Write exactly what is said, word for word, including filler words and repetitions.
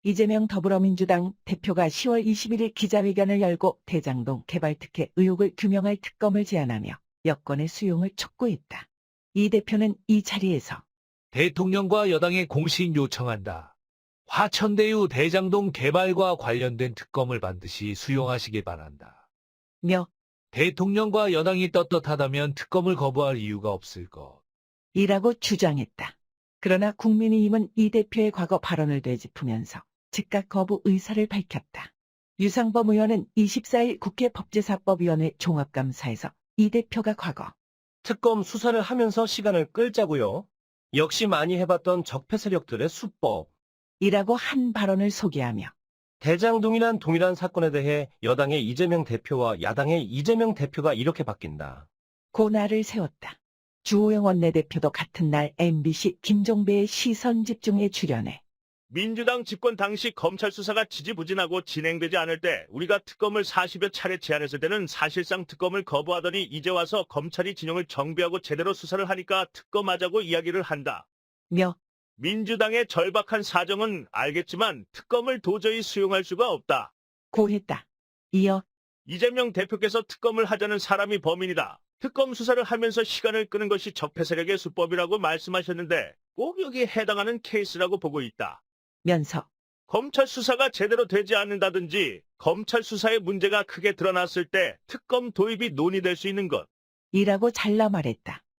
이재명 더불어민주당 대표가 시월 이십일일 기자회견을 열고 대장동 개발특혜 의혹을 규명할 특검을 제안하며 여권의 수용을 촉구했다. 이 대표는 이 자리에서 대통령과 여당에 공식 요청한다. 화천대유 대장동 개발과 관련된 특검을 반드시 수용하시기 바란다. 며 대통령과 여당이 떳떳하다면 특검을 거부할 이유가 없을 것. 이라고 주장했다. 그러나 국민의힘은 이 대표의 과거 발언을 되짚으면서 즉각 거부 의사를 밝혔다. 유상범 의원은 이십사일 국회 법제사법위원회 종합감사에서 이 대표가 과거 특검 수사를 하면서 시간을 끌자고요. 역시 많이 해봤던 적폐 세력들의 수법. 이라고 한 발언을 소개하며 대장동이란 동일한 사건에 대해 여당의 이재명 대표와 야당의 이재명 대표가 이렇게 바뀐다. 고날을 세웠다. 주호영 원내대표도 같은 날 엠비씨 김종배의 시선집중에 출연해 민주당 집권 당시 검찰 수사가 지지부진하고 진행되지 않을 때 우리가 특검을 사십여 차례 제안했을 때는 사실상 특검을 거부하더니 이제 와서 검찰이 진영을 정비하고 제대로 수사를 하니까 특검하자고 이야기를 한다. 며 민주당의 절박한 사정은 알겠지만 특검을 도저히 수용할 수가 없다. 고했다. 이어 이재명 대표께서 특검을 하자는 사람이 범인이다. 특검 수사를 하면서 시간을 끄는 것이 적폐 세력의 수법이라고 말씀하셨는데 꼭 여기에 해당하는 케이스라고 보고 있다. 면서 검찰 수사가 제대로 되지 않는다든지 검찰 수사의 문제가 크게 드러났을 때 특검 도입이 논의될 수 있는 것. 이라고 잘라 말했다.